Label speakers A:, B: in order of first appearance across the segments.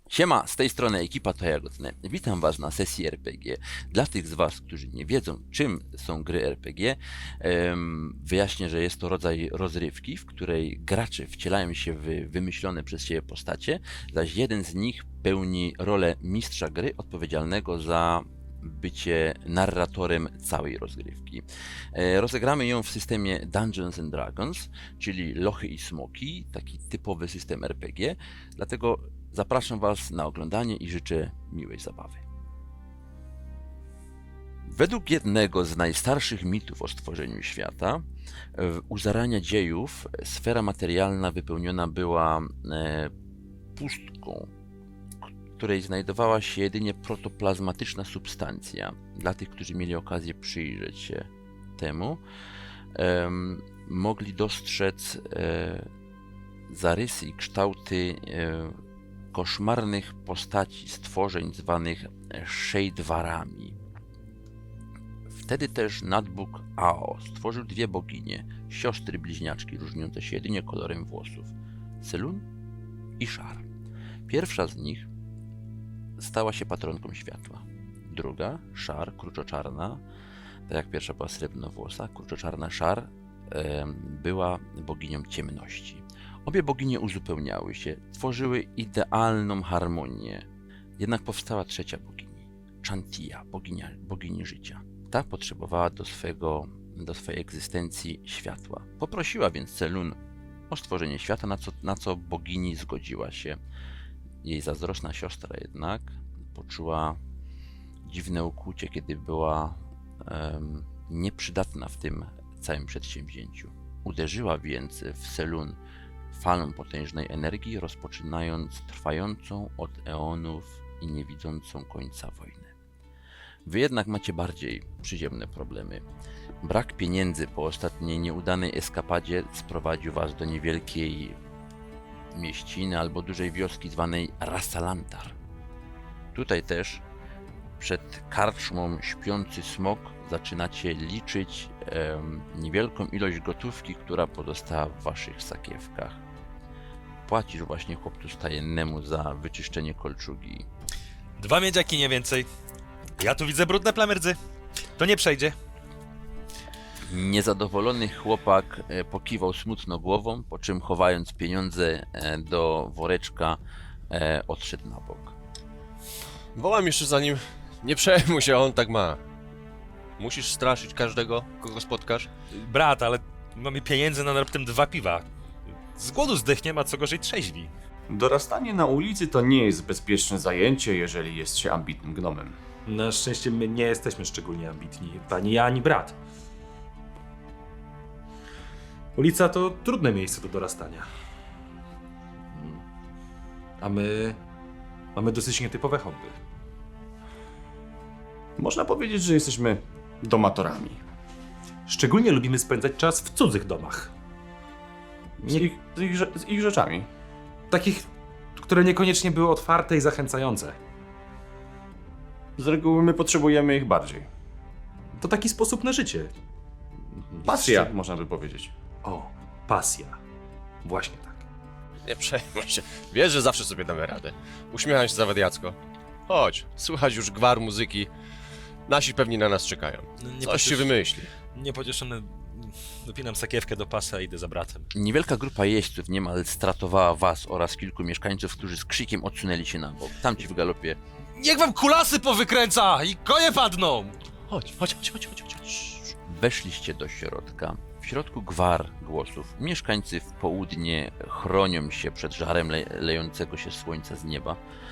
A: Siema, z tej strony ekipa To Jagodne. Witam Was na sesji RPG. Dla tych z Was, którzy nie wiedzą, czym są gry RPG, wyjaśnię, że jest to rodzaj rozrywki, w której gracze wcielają się w wymyślone przez siebie postacie, zaś jeden z nich pełni rolę mistrza gry odpowiedzialnego za bycie narratorem całej rozgrywki. Rozegramy ją w systemie Dungeons and Dragons, czyli lochy i smoki, taki typowy system RPG, dlatego zapraszam Was na oglądanie i życzę miłej zabawy. Według jednego z najstarszych mitów o stworzeniu świata, u zarania dziejów sfera materialna wypełniona była pustką, w której znajdowała się jedynie protoplazmatyczna substancja. Dla tych, którzy mieli okazję przyjrzeć się temu, mogli dostrzec zarysy i kształty koszmarnych postaci, stworzeń zwanych Shadewarami. Wtedy też nadbóg Ao stworzył dwie boginie, siostry bliźniaczki różniące się jedynie kolorem włosów, Selûne i Shar. Pierwsza z nich stała się patronką światła. Druga, Shar, kruczoczarna, tak jak pierwsza była srebrnowłosa, kruczoczarna Shar była boginią ciemności. Obie boginie uzupełniały się, tworzyły idealną harmonię. Jednak powstała trzecia bogini, Chantia, bogini życia. Ta potrzebowała do swojej egzystencji światła. Poprosiła więc Selûne o stworzenie świata, na co bogini zgodziła się. Jej zazdrosna siostra jednak poczuła dziwne ukłucie, kiedy była nieprzydatna w tym całym przedsięwzięciu. Uderzyła więc w Selûne falą potężnej energii, rozpoczynając trwającą od eonów i niewidzącą końca wojnę. Wy jednak macie bardziej przyziemne problemy. Brak pieniędzy po ostatniej nieudanej eskapadzie sprowadził was do niewielkiej mieściny albo dużej wioski zwanej Rassalantar. Tutaj też przed karczmą Śpiący Smok zaczynacie liczyć niewielką ilość gotówki, która pozostała w waszych sakiewkach. Płacisz właśnie chłopcu stajennemu za wyczyszczenie kolczugi.
B: 2 miedziaki, nie więcej. Ja tu widzę brudne plamy rdzy. To nie przejdzie.
A: Niezadowolony chłopak pokiwał smutno głową, po czym chowając pieniądze do woreczka odszedł na bok.
C: Wołam jeszcze za nim. Nie przejmuj się, on tak ma. Musisz straszyć każdego, kogo spotkasz.
B: Brat, ale mamy pieniędzy na raptem 2 piwa. Z głodu zdechniemy, a co gorzej trzeźwi.
D: Dorastanie na ulicy to nie jest bezpieczne zajęcie, jeżeli jest się ambitnym gnomem.
E: Na szczęście my nie jesteśmy szczególnie ambitni, ani ja, ani brat. Ulica to trudne miejsce do dorastania. A my mamy dosyć nietypowe hobby.
D: Można powiedzieć, że jesteśmy domatorami.
E: Szczególnie lubimy spędzać czas w cudzych domach.
D: Z ich rzeczami.
E: Takich, które niekoniecznie były otwarte i zachęcające.
D: Z reguły my potrzebujemy ich bardziej.
E: To taki sposób na życie.
D: Pasja, można by powiedzieć.
E: O, pasja. Właśnie tak.
C: Nie przejmuj się. Wiesz, że zawsze sobie damy radę. Uśmiecham się zawadiacko. Chodź, słychać już gwar muzyki. Nasi pewnie na nas czekają. Coś się wymyśli.
B: Niepocieszony dopinam sakiewkę do pasa i idę za bratem.
A: Niewielka grupa jeźdźców niemal stratowała was oraz kilku mieszkańców, którzy z krzykiem odsunęli się na bok. Tamci w galopie.
B: Niech wam kulasy powykręca i konie padną!
C: Chodź.
A: Weszliście do środka. W środku gwar głosów. Mieszkańcy w południe chronią się przed żarem lejącego się słońca z nieba.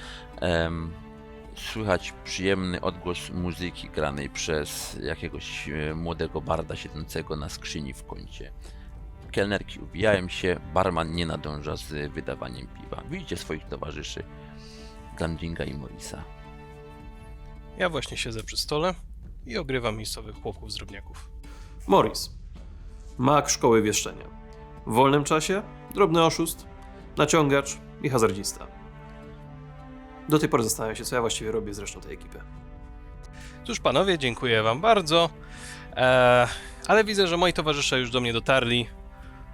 A: Słychać przyjemny odgłos muzyki granej przez jakiegoś młodego barda siedzącego na skrzyni w kącie. Kelnerki ubijają się, barman nie nadąża z wydawaniem piwa. Widzicie swoich towarzyszy, Glandinga i Morisa.
F: Ja właśnie siedzę przy stole i ogrywam miejscowych chłopków z drobniaków.
G: Morris. Mag szkoły wieszczenia. W wolnym czasie drobny oszust, naciągacz i hazardzista. Do tej pory zastanawiam się, co ja właściwie robię z resztą tej ekipy.
F: Cóż panowie, dziękuję wam bardzo, ale widzę, że moi towarzysze już do mnie dotarli.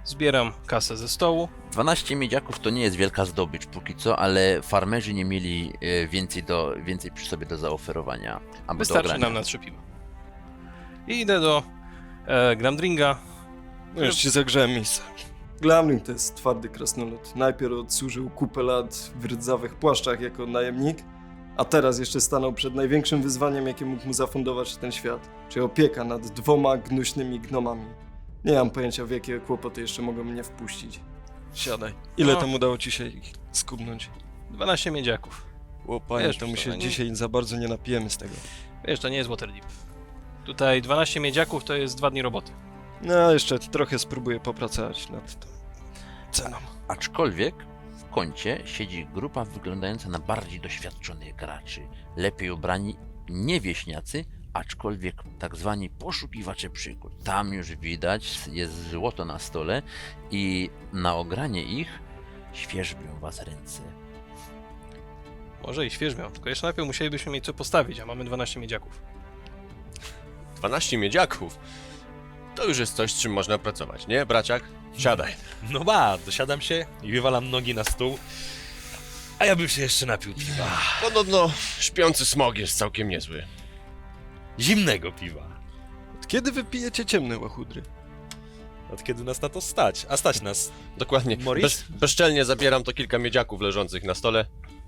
F: Zbieram kasę ze stołu.
A: 12 miedziaków to nie jest wielka zdobycz póki co, ale farmerzy nie mieli więcej przy sobie do zaoferowania. Albo do
F: Wystarczy
A: ogrania.
F: nam na 3 piwa. I idę do Glamdringa.
H: No już ci zagrzałem miejsce. Glamling to jest twardy krasnolud. Najpierw odsłużył kupę lat w rdzawych płaszczach jako najemnik, a teraz jeszcze stanął przed największym wyzwaniem, jakie mógł mu zafundować ten świat, czyli opieka nad 2 gnuśnymi gnomami. Nie mam pojęcia, w jakie kłopoty jeszcze mogą mnie wpuścić. Siadaj. Ile
F: No.
H: tam udało ci się ich skubnąć?
F: 12 miedziaków.
H: Łopanie,
F: Wiesz,
H: to my
F: to
H: się
F: nie-
H: dzisiaj za bardzo nie napijemy z tego.
F: Wiesz, to nie jest Waterdeep. Tutaj 12 miedziaków to jest 2 dni roboty.
H: No, jeszcze trochę spróbuję popracować nad tą ceną.
A: Aczkolwiek w kącie siedzi grupa wyglądająca na bardziej doświadczonych graczy. Lepiej ubrani, nie wieśniacy, aczkolwiek tak zwani poszukiwacze przygód. Tam już widać, jest złoto na stole i na ogranie ich świerzbią was ręce.
F: Może i świeżmią, tylko jeszcze najpierw musielibyśmy mieć co postawić, a mamy 12 miedziaków.
C: 12 miedziaków. To już jest coś, z czym można pracować, nie, braciak? Siadaj.
B: No dosiadam się i wywalam nogi na stół. A ja bym się jeszcze napił piwa.
C: Podobno śpiący smog jest całkiem niezły.
B: Zimnego piwa.
H: Od kiedy wy pijecie ciemne łachudry?
B: Od kiedy nas na to stać? A stać nas.
C: Dokładnie.
B: Morris?
C: Bezczelnie zabieram to kilka miedziaków leżących na stole.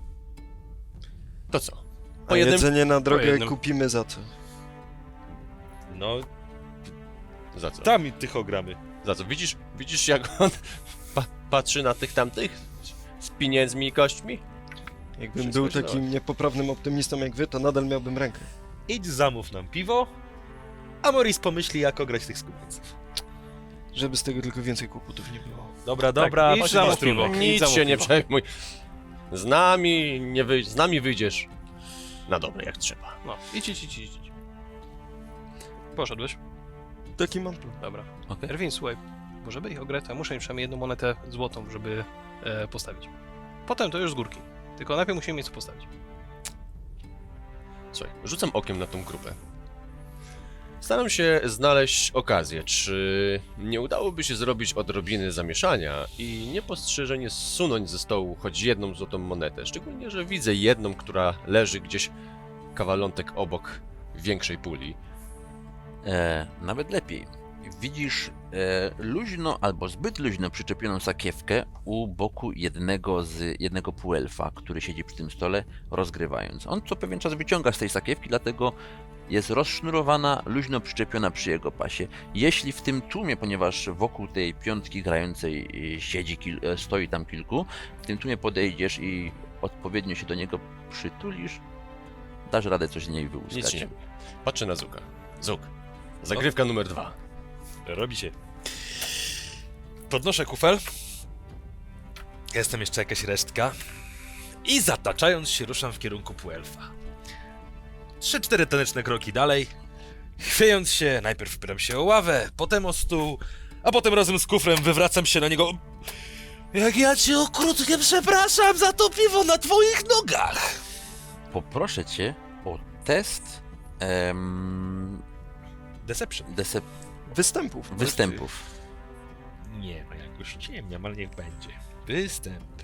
C: To co?
H: A
C: Po jednym...
H: jedzenie na drogę
F: jednym.
H: kupimy za co?
B: No,
C: Za co?
B: tam i tych ogramy.
C: Za co? Widzisz jak on patrzy na tych tamtych? Z pieniędzmi i kośćmi?
H: Jakbym
C: Wszystko
H: był
C: źle.
H: takim niepoprawnym optymistą jak wy, to nadal miałbym rękę.
B: Idź zamów nam piwo, a Morris pomyśli, jak ograć tych skupińców.
H: Żeby z tego tylko więcej kłopotów nie było.
B: Dobra,
F: idź
B: chodź
F: zamów
B: na stronę.
F: piwo.
C: Nic
F: zamów
C: się nie
F: piwo.
C: przejmuj. Z nami wyjdziesz na dobre jak trzeba.
F: No, idź. Poszedłeś?
H: Taki mam plan.
F: Dobra.
A: Okej.
F: Erwin, słuchaj, bo żeby ich ograć, to ja muszę im przynajmniej 1 monetę złotą, żeby postawić. Potem to już z górki. Tylko najpierw musimy mieć co postawić.
C: Słuchaj, rzucam okiem na tą grupę. Staram się znaleźć okazję, czy nie udałoby się zrobić odrobiny zamieszania i niepostrzeżenie zsunąć ze stołu choć 1 złotą monetę. Szczególnie, że widzę jedną, która leży gdzieś kawalątek obok większej puli.
A: Nawet lepiej. Widzisz luźno albo zbyt luźno przyczepioną sakiewkę u boku jednego półelfa, który siedzi przy tym stole, rozgrywając. On co pewien czas wyciąga z tej sakiewki, dlatego jest rozsznurowana, luźno przyczepiona przy jego pasie. Jeśli w tym tłumie, ponieważ wokół tej piątki grającej stoi tam kilku, w tym tłumie podejdziesz i odpowiednio się do niego przytulisz, dasz radę coś z niej
C: Nic
A: wyłuskać.
C: nie. Patrzę na Zuka. Zuk. Zagrywka numer 2.
B: Robi się. Podnoszę kufel. Jestem jeszcze jakaś resztka. I zataczając się ruszam w kierunku półelfa. 3-4 taneczne kroki dalej. Chwiejąc się, najpierw pytam się o ławę, potem o stół, a potem razem z kufrem wywracam się na niego. Jak ja cię okrutnie przepraszam za to piwo na twoich nogach!
A: Poproszę cię o test
B: Deception.
H: Występów.
B: Nie, no jak już ciemniam, ale niech będzie. Występy.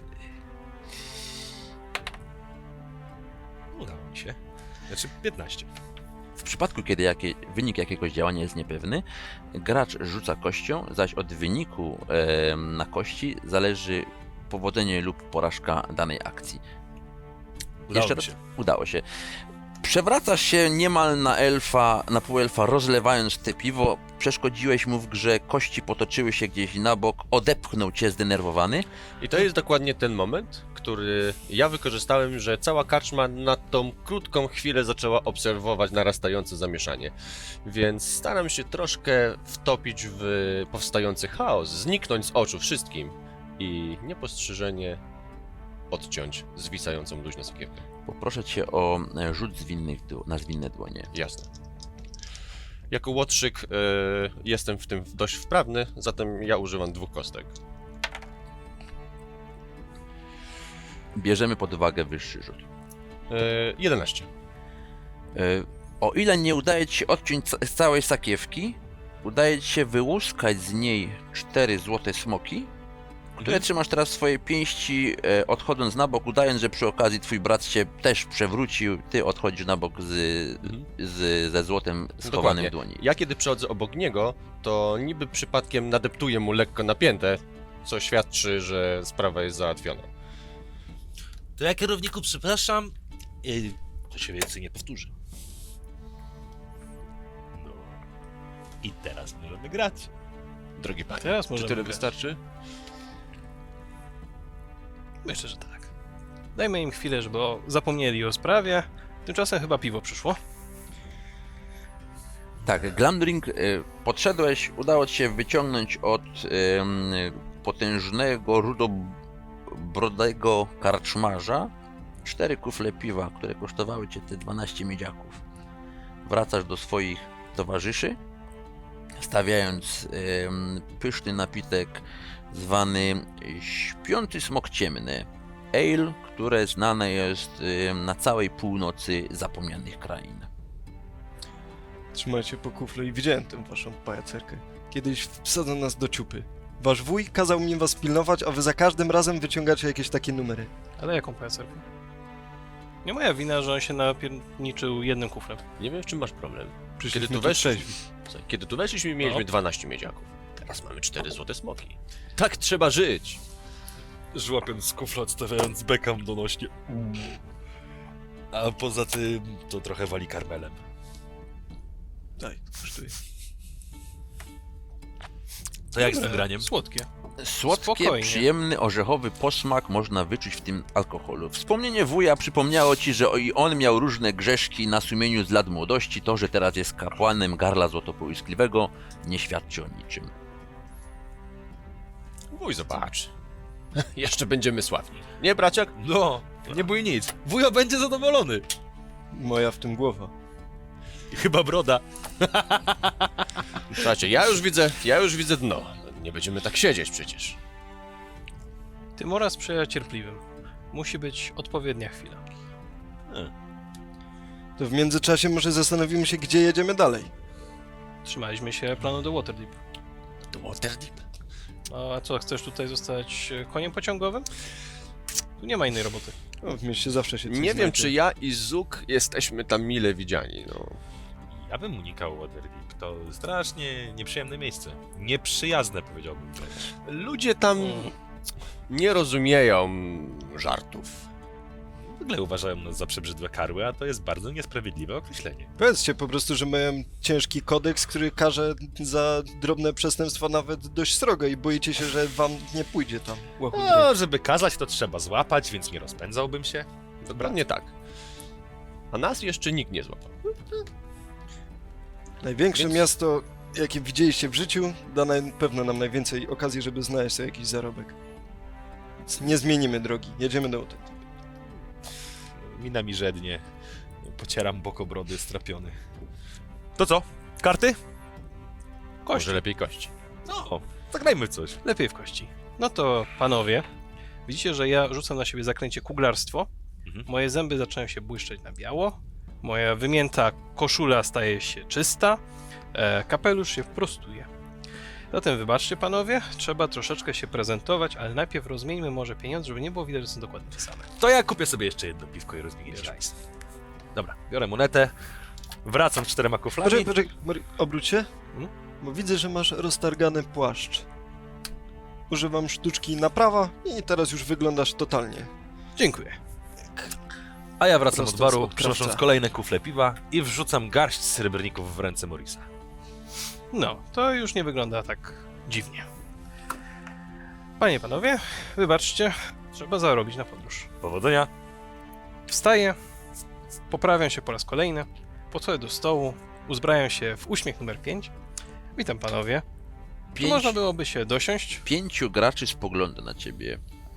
B: Udało mi się. Znaczy 15.
A: W przypadku, kiedy wynik jakiegoś działania jest niepewny, gracz rzuca kością, zaś od wyniku na kości zależy powodzenie lub porażka danej akcji.
B: Udało
A: Jeszcze
B: mi
A: raz?
B: się.
A: Udało się. Przewracasz się niemal na półelfa, rozlewając te piwo. Przeszkodziłeś mu w grze, kości potoczyły się gdzieś na bok, odepchnął cię zdenerwowany.
C: I to jest dokładnie ten moment, który ja wykorzystałem, że cała karczma na tą krótką chwilę zaczęła obserwować narastające zamieszanie. Więc staram się troszkę wtopić w powstający chaos, zniknąć z oczu wszystkim i niepostrzeżenie odciąć zwisającą luźno sakiewkę.
A: Poproszę cię o rzut na zwinne dłonie.
C: Jasne. Jako łotrzyk jestem w tym dość wprawny, zatem ja używam 2 kostek.
A: Bierzemy pod uwagę wyższy rzut.
C: 11.
A: O ile nie udaje ci się odciąć z całej sakiewki, udaje ci się wyłuskać z niej 4 złote smoki, które trzymasz teraz w swojej pięści, odchodząc na bok, udając, że przy okazji twój brat się też przewrócił, ty odchodzisz na bok ze złotem schowanym w dłoni.
C: Ja kiedy przechodzę obok niego, to niby przypadkiem nadeptuję mu lekko napięte, co świadczy, że sprawa jest załatwiona.
B: To ja, kierowniku, przepraszam. To się więcej nie powtórzy. No. I teraz możemy grać.
C: Drogi panie,
F: Teraz
C: czy
F: możemy
C: tyle
F: grać.
C: wystarczy?
F: Myślę, że tak. Dajmy im chwilę, żeby zapomnieli o sprawie. Tymczasem chyba piwo przyszło.
A: Tak, Glamdring, podszedłeś, udało ci się wyciągnąć od potężnego, rudobrodego karczmarza 4 kufle piwa, które kosztowały cię te 12 miedziaków. Wracasz do swoich towarzyszy, stawiając pyszny napitek zwany Śpiący Smok Ciemny. Ale, które znane jest na całej północy zapomnianych krain.
H: Trzymajcie po kufle i widziałem tę waszą pajacerkę. Kiedyś wsadzą nas do ciupy. Wasz wuj kazał mi was pilnować, a wy za każdym razem wyciągacie jakieś takie numery.
F: Ale jaką pajacerkę? Nie moja wina, że on się napierniczył jednym kuflem.
C: Nie wiem, w czym masz problem.
H: Przyszliśmy
C: tu
H: tu
C: weszli-
H: trzeźwi.
C: Słuchaj, kiedy tu weszliśmy, mieliśmy
F: No.
C: 12 miedziaków. Teraz mamy 4 złote smoki. Tak trzeba żyć!
B: Żłapiąc z kufla, odstawiając bekam donośnie. A poza tym to trochę wali karmelem.
H: Daj, kosztuje.
B: To jak z tym graniem?
F: Słodkie.
A: Słodkie,
F: Spokojnie.
A: przyjemny, orzechowy posmak można wyczuć w tym alkoholu. Wspomnienie wuja przypomniało ci, że i on miał różne grzeszki na sumieniu z lat młodości. To, że teraz jest kapłanem garla złotopołyskliwego, nie świadczy o niczym.
C: Wuj, zobacz. Jeszcze będziemy sławni. Nie, braciak?
B: No, nie bój nic. Wujo będzie zadowolony.
H: Moja w tym głowa.
B: I chyba broda.
C: Słuchajcie, ja już widzę dno. Nie będziemy tak siedzieć przecież.
F: Tymora sprzyja cierpliwym. Musi być odpowiednia chwila.
H: To w międzyczasie może zastanowimy się, gdzie jedziemy dalej.
F: Trzymaliśmy się planu do Waterdeep.
C: To Waterdeep.
F: No, a co, chcesz tutaj zostać koniem pociągowym? Tu nie ma innej roboty.
H: O, w mieście zawsze się coś
C: Nie wiem,
H: znajdzie.
C: czy ja i Zuk jesteśmy tam mile widziani, no.
B: Ja bym unikał Waterdeep. To strasznie nieprzyjemne miejsce. Nieprzyjazne, powiedziałbym wręcz.
C: Ludzie tam nie rozumieją żartów.
B: W ogóle uważają nas za przebrzydłe karły, a to jest bardzo niesprawiedliwe określenie.
H: Powiedzcie po prostu, że mają ciężki kodeks, który karze za drobne przestępstwa nawet dość srogo i boicie się, że wam nie pójdzie tam łachudry.
B: No, żeby kazać, to trzeba złapać, więc nie rozpędzałbym się.
C: Dokładnie tak. A nas jeszcze nikt nie złapał.
H: Największe
C: Więc-
H: miasto, jakie widzieliście w życiu, da na pewno nam najwięcej okazji, żeby znaleźć sobie jakiś zarobek. Więc nie zmienimy drogi, jedziemy do Waterdeep.
B: Mina mi żednie. Pocieram bok obrody strapiony. To co? Karty?
C: Może lepiej kości.
B: No, zagrajmy w coś.
F: Lepiej w kości. No to panowie, widzicie, że ja rzucam na siebie zaklęcie kuglarstwo.
B: Mhm.
F: Moje zęby zaczynają się błyszczeć na biało. Moja wymięta koszula staje się czysta. Kapelusz się prostuje. Zatem wybaczcie panowie, trzeba troszeczkę się prezentować, ale najpierw rozmieńmy może pieniądze, żeby nie było widać, że są dokładnie te same.
B: To ja kupię sobie jeszcze jedno piwko i rozwiniesz hajs. Dobra, biorę monetę. Wracam z 4 kuflami.
H: Poczekaj, Mori, obróć się,
F: Hmm?
H: bo widzę, że masz roztargany płaszcz. Używam sztuczki naprawa i teraz już wyglądasz totalnie.
F: Dziękuję.
B: A ja wracam
H: Prosto
B: od
H: z
B: baru,
H: odkrawca.
B: przynosząc kolejne kufle piwa i wrzucam garść srebrników w ręce Morisa.
F: No, to już nie wygląda tak dziwnie. Panie i panowie, wybaczcie, trzeba zarobić na podróż.
B: Powodzenia.
F: Wstaję, poprawiam się po raz kolejny, podchodzę do stołu, uzbrajam się w uśmiech numer 5. Witam panowie. Czy można byłoby się dosiąść?
A: 5 graczy spogląda na ciebie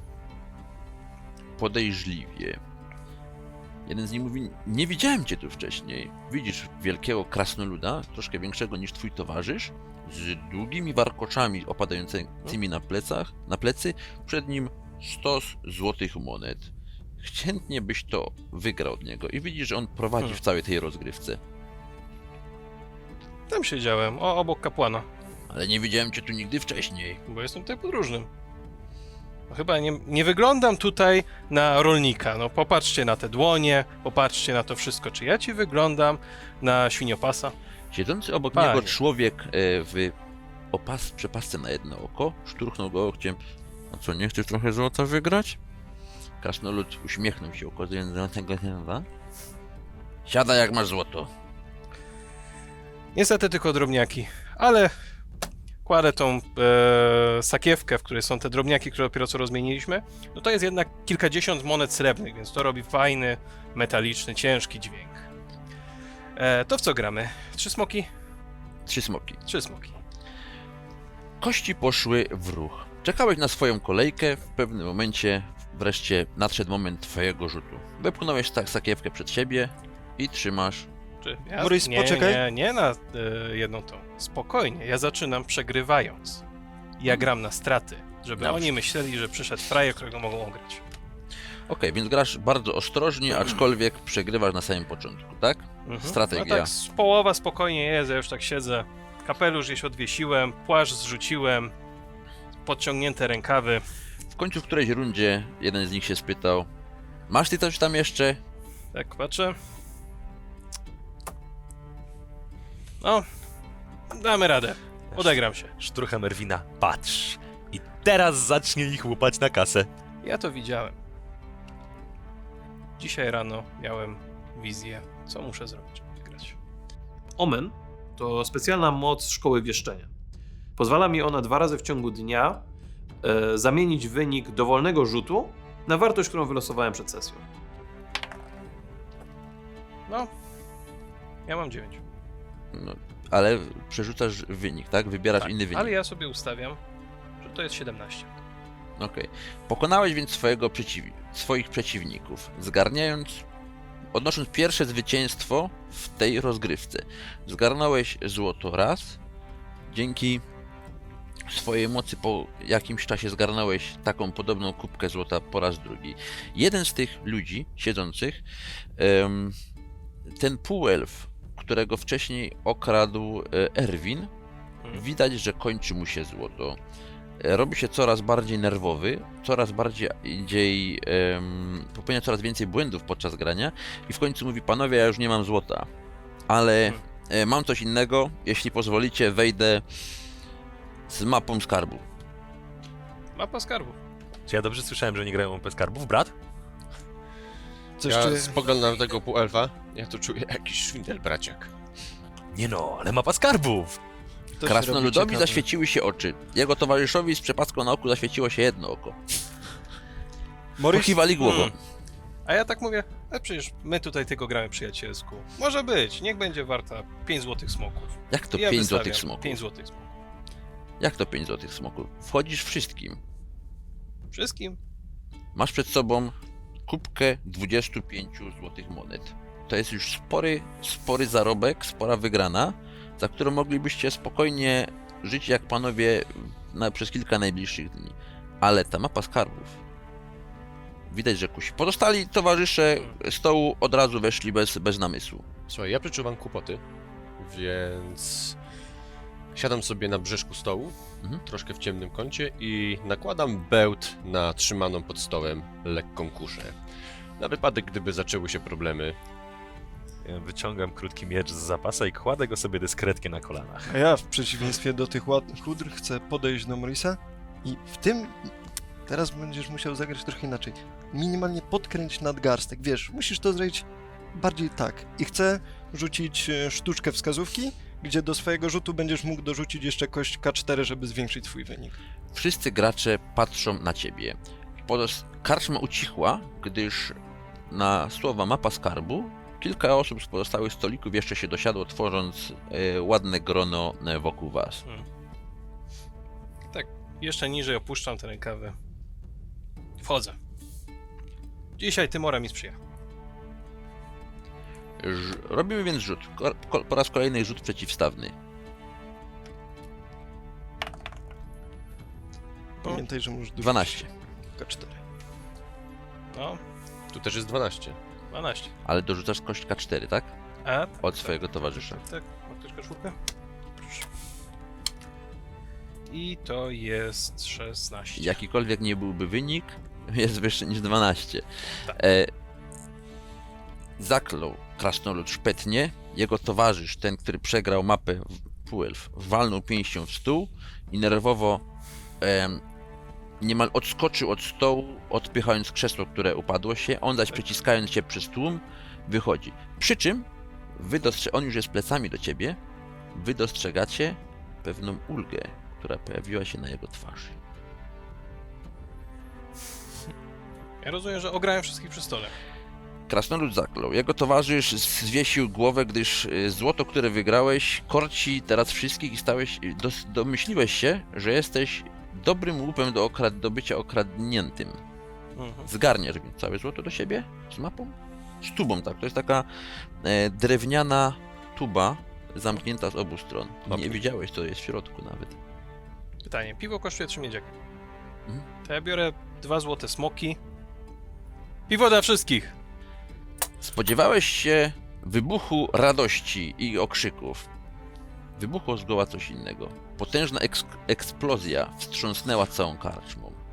A: podejrzliwie. Jeden z nich mówi, nie widziałem cię tu wcześniej. Widzisz wielkiego krasnoluda, troszkę większego niż twój towarzysz, z długimi warkoczami opadającymi na plecy, przed nim stos złotych monet. Chętnie byś to wygrał od niego i widzisz, że on prowadzi w całej tej rozgrywce.
F: Tam siedziałem, obok kapłana,
A: Ale nie widziałem cię tu nigdy wcześniej.
F: bo jestem tutaj podróżnym. No chyba nie wyglądam tutaj na rolnika. No popatrzcie na te dłonie, popatrzcie na to wszystko. Czy ja ci wyglądam na świniopasa?
A: Siedzący obok
F: Panie.
A: niego człowiek w przepasce na jedno oko szturchnął go okciem. A co, nie chcesz trochę złota wygrać? Krasnolud uśmiechnął się, ukazując na tego chyba. Siadaj jak masz złoto.
F: Niestety tylko drobniaki, ale kładę tą sakiewkę, w której są te drobniaki, które dopiero co rozmieniliśmy. No to jest jednak kilkadziesiąt monet srebrnych, więc to robi fajny, metaliczny, ciężki dźwięk. To w co gramy? 3 smoki?
A: 3 smoki.
F: 3 smoki.
A: Kości poszły w ruch. Czekałeś na swoją kolejkę, w pewnym momencie wreszcie nadszedł moment twojego rzutu. Wepchnąłeś sakiewkę przed siebie i trzymasz.
F: Czy
H: Maurice,
F: nie,
H: poczekaj.
F: nie na jedną tą. Spokojnie, ja zaczynam przegrywając. Ja gram na straty, żeby
A: Dobrze.
F: oni myśleli, że przyszedł frajer, którego mogą ograć.
A: Okej, więc grasz bardzo ostrożnie, aczkolwiek przegrywasz na samym początku, tak? Strategia.
F: No tak, połowa spokojnie jest, ja już tak siedzę. Kapelusz gdzieś odwiesiłem, płaszcz zrzuciłem, podciągnięte rękawy.
A: W końcu w którejś rundzie jeden z nich się spytał: masz ty coś tam jeszcze?
F: Tak, patrzę. No, damy radę. Odegram się.
B: Sztrucha Merwina, patrz. I teraz zacznie ich łupać na kasę.
F: Ja to widziałem. Dzisiaj rano miałem wizję, co muszę zrobić, żeby wygrać.
G: Omen to specjalna moc szkoły wieszczenia. Pozwala mi ona 2 razy w ciągu dnia zamienić wynik dowolnego rzutu na wartość, którą wylosowałem przed sesją.
F: No, ja mam 9.
A: No, ale przerzucasz wynik, tak? Wybierasz
F: Tak,
A: inny wynik.
F: ale ja sobie ustawiam, że to jest 17.
A: Okej. Pokonałeś więc swoich przeciwników, odnosząc pierwsze zwycięstwo w tej rozgrywce. Zgarnąłeś złoto raz, dzięki swojej mocy po jakimś czasie zgarnąłeś taką podobną kubkę złota po raz drugi. Jeden z tych ludzi siedzących, ten półelf, którego wcześniej okradł Erwin, widać, że kończy mu się złoto. Robi się coraz bardziej nerwowy, coraz bardziej popełnia coraz więcej błędów podczas grania i w końcu mówi: panowie, ja już nie mam złota, ale mam coś innego, jeśli pozwolicie, wejdę z mapą skarbu.
F: Mapa skarbu.
B: Czy ja dobrze słyszałem, że nie grają bez skarbów, brat?
H: Coś
C: Ja
H: czy...
C: spoglądam na tego półelfa, ja tu czuję jakiś szwindel, braciak.
B: Nie no, ale mapa skarbów!
H: to się robi
A: Krasnoludowi
H: ciekawe.
A: zaświeciły się oczy. Jego towarzyszowi z przepaską na oku zaświeciło się jedno oko.
H: Maurice,
A: Pokiwali głową.
F: A ja tak mówię, przecież my tutaj tylko gramy przyjacielsku. Może być, niech będzie warta 5 złotych smoków.
A: Jak to
F: Ja
A: 5
F: wystawiam
A: złotych smoków?
F: 5 złotych smoków.
A: Jak to 5 złotych smoków? Wchodzisz wszystkim.
F: Wszystkim?
A: Masz przed sobą kubkę 25 złotych monet. To jest już spory zarobek, spora wygrana, za którą moglibyście spokojnie żyć jak panowie przez kilka najbliższych dni. Ale ta mapa skarbów, widać, że kusi. Pozostali towarzysze stołu od razu weszli bez namysłu.
C: Słuchaj, ja przeczuwam kłopoty, więc siadam sobie na brzeszku stołu, troszkę w ciemnym kącie i nakładam bełt na trzymaną pod stołem lekką kuszę. Na wypadek, gdyby zaczęły się problemy.
B: Ja wyciągam krótki miecz z zapasa i kładę go sobie dyskretnie na kolanach.
H: A ja w przeciwieństwie do tych ładnych chudr chcę podejść do Maurice'a i w tym teraz będziesz musiał zagrać trochę inaczej. Minimalnie podkręć nadgarstek, wiesz, musisz to zrobić bardziej tak. I chcę rzucić sztuczkę wskazówki, gdzie do swojego rzutu będziesz mógł dorzucić jeszcze kość K4, żeby zwiększyć swój wynik.
A: Wszyscy gracze patrzą na ciebie. Karczma ucichła, gdyż na słowa mapa skarbu kilka osób z pozostałych stolików jeszcze się dosiadło, tworząc ładne grono wokół was.
F: Tak, jeszcze niżej opuszczam te rękawy. Wchodzę. Dzisiaj Tymora mi sprzyja.
A: Robimy więc rzut. Po raz kolejny rzut przeciwstawny.
H: Pamiętaj, że możesz dorzucić
A: 12.
H: K4.
F: No,
C: Tu też jest 12.
F: 12.
A: Ale dorzucasz kość K4, tak?
F: A?
A: Od swojego towarzysza.
F: Tak, ma ktoś koszulkę? i to jest 16.
A: Jakikolwiek nie byłby wynik, jest wyższy niż 12.
F: Tak.
A: Zaklął krasnolud szpetnie, jego towarzysz, ten, który przegrał mapę półelf, walnął pięścią w stół i nerwowo niemal odskoczył od stołu, odpychając krzesło, które upadło się, on zaś przeciskając się przez tłum, wychodzi. Przy czym on już jest plecami do ciebie, wy dostrzegacie pewną ulgę, która pojawiła się na jego twarzy.
F: Ja rozumiem, że ograłem wszystkich przy stole.
A: Krasnolud zaklął. Jego towarzysz zwiesił głowę, gdyż złoto, które wygrałeś, korci teraz wszystkich i domyśliłeś się, że jesteś dobrym łupem do bycia okradniętym. Zgarniesz więc całe złoto do siebie z mapą? Z tubą, tak. To jest taka drewniana tuba zamknięta z obu stron. Nie wiedziałeś, co jest w środku nawet.
F: Pytanie, piwo kosztuje 3 miedziaki.
A: Mhm.
F: To ja biorę 2 złote smoki. Piwo dla wszystkich!
A: Spodziewałeś się wybuchu radości i okrzyków. Wybuchło zgoła coś innego. Potężna eksplozja wstrząsnęła całą karczmą.